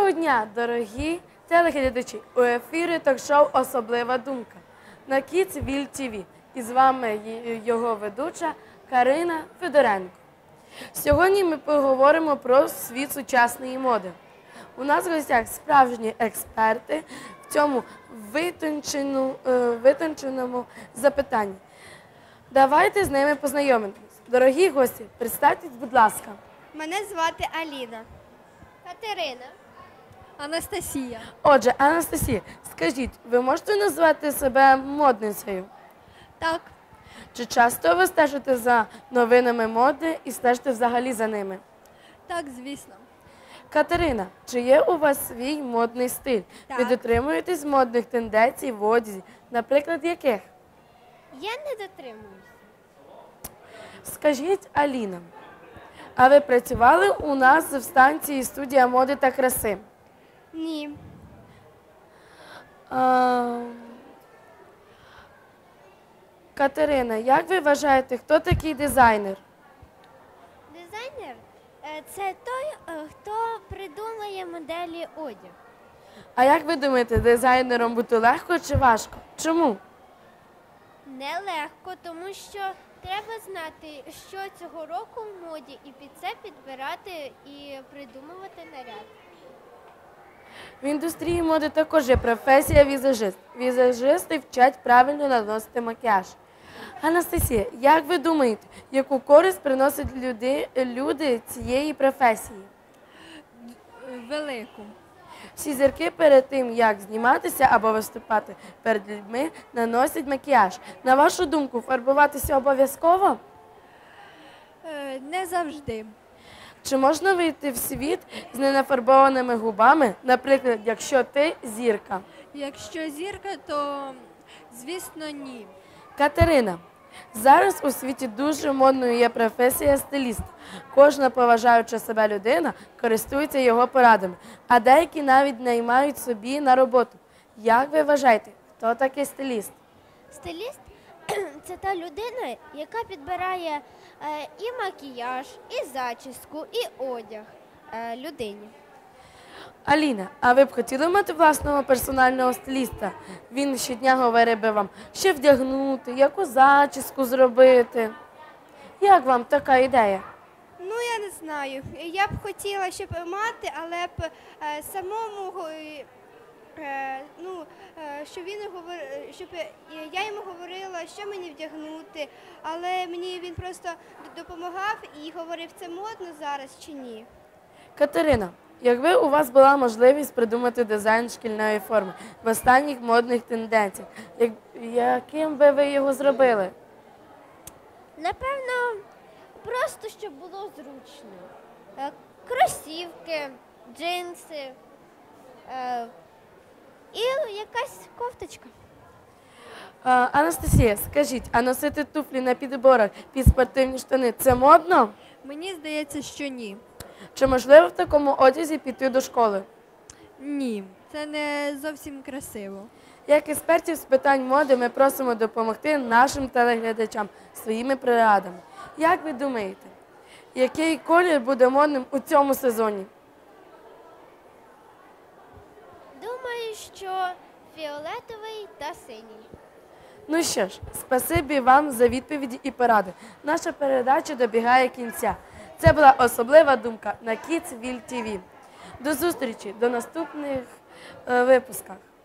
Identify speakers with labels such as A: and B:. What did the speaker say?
A: Доброго дня, дорогі телеглядачі! У ефірі ток-шоу «Особлива думка» на Kidsville TV. І з вами його ведуча Карина Федоренко. Сьогодні ми поговоримо про світ сучасної моди. У нас в гостях справжні експерти в цьому витонченому запитанні. Давайте з ними познайомимось. Дорогі гості, представтесь, будь ласка.
B: Мене звати Аліна.
C: Катерина.
B: Анастасія.
A: Отже, Анастасія, скажіть, ви можете назвати себе модницею?
B: Так.
A: Чи часто ви стежите за новинами моди і стежите взагалі за ними?
B: Так, звісно.
A: Катерина, чи є у вас свій модний стиль?
B: Так.
A: Ви дотримуєтесь модних тенденцій в одязі, наприклад, яких?
C: Я не дотримуюсь.
A: Скажіть, Аліна, а ви працювали у нас в станції «Студія моди та краси»?
B: Ні.
A: Катерина, як ви вважаєте, хто такий дизайнер?
C: Дизайнер – це той, хто придумує моделі одягу.
A: А як ви думаєте, дизайнером бути легко чи важко? Чому?
C: Нелегко, тому що треба знати, що цього року в моді, і під це підбирати і придумувати наряд.
A: В індустрії моди також є професія візажист. Візажисти вчать правильно наносити макіяж. Анастасія, як ви думаєте, яку користь приносять люди цієї професії?
B: Велику.
A: Всі зірки перед тим, як зніматися або виступати перед людьми, наносять макіяж. На вашу думку, фарбуватися обов'язково?
B: Не завжди.
A: Чи можна вийти в світ з ненафарбованими губами, наприклад, якщо ти зірка?
B: Якщо зірка, то, звісно, ні.
A: Катерина, зараз у світі дуже модною є професія стиліст. Кожна поважаюча себе людина користується його порадами, а деякі навіть наймають собі на роботу. Як ви вважаєте, хто такий стиліст?
C: Стиліст – це та людина, яка підбирає і макіяж, і зачіску, і одяг людині.
A: Аліна, а ви б хотіли мати власного персонального стиліста? Він щодня говорить би вам, що вдягнути, яку зачіску зробити. Як вам така ідея?
B: Ну, я не знаю. Я б хотіла, щоб мати, але б самому, щоб я йому говорила, що мені вдягнути, але мені він просто допомагав і говорив, це модно зараз чи ні.
A: Катерина, якби у вас була можливість придумати дизайн шкільної форми в останніх модних тенденціях, яким би ви його зробили?
C: Напевно, просто щоб було зручно. Кросівки, джинси і якась кофточка.
A: Анастасія, скажіть, а носити туфлі на підборах під спортивні штани – це модно?
B: Мені здається, що ні.
A: Чи можливо в такому одязі піти до школи?
B: Ні, це не зовсім красиво.
A: Як експертів з питань моди ми просимо допомогти нашим телеглядачам своїми порадами. Як ви думаєте, який колір буде модним у цьому сезоні?
C: Думаю, що фіолетовий та синій.
A: Ну що ж, спасибі вам за відповіді і поради. Наша передача добігає кінця. Це була особлива думка на Kidsville TV. До зустрічі, до наступних випусках.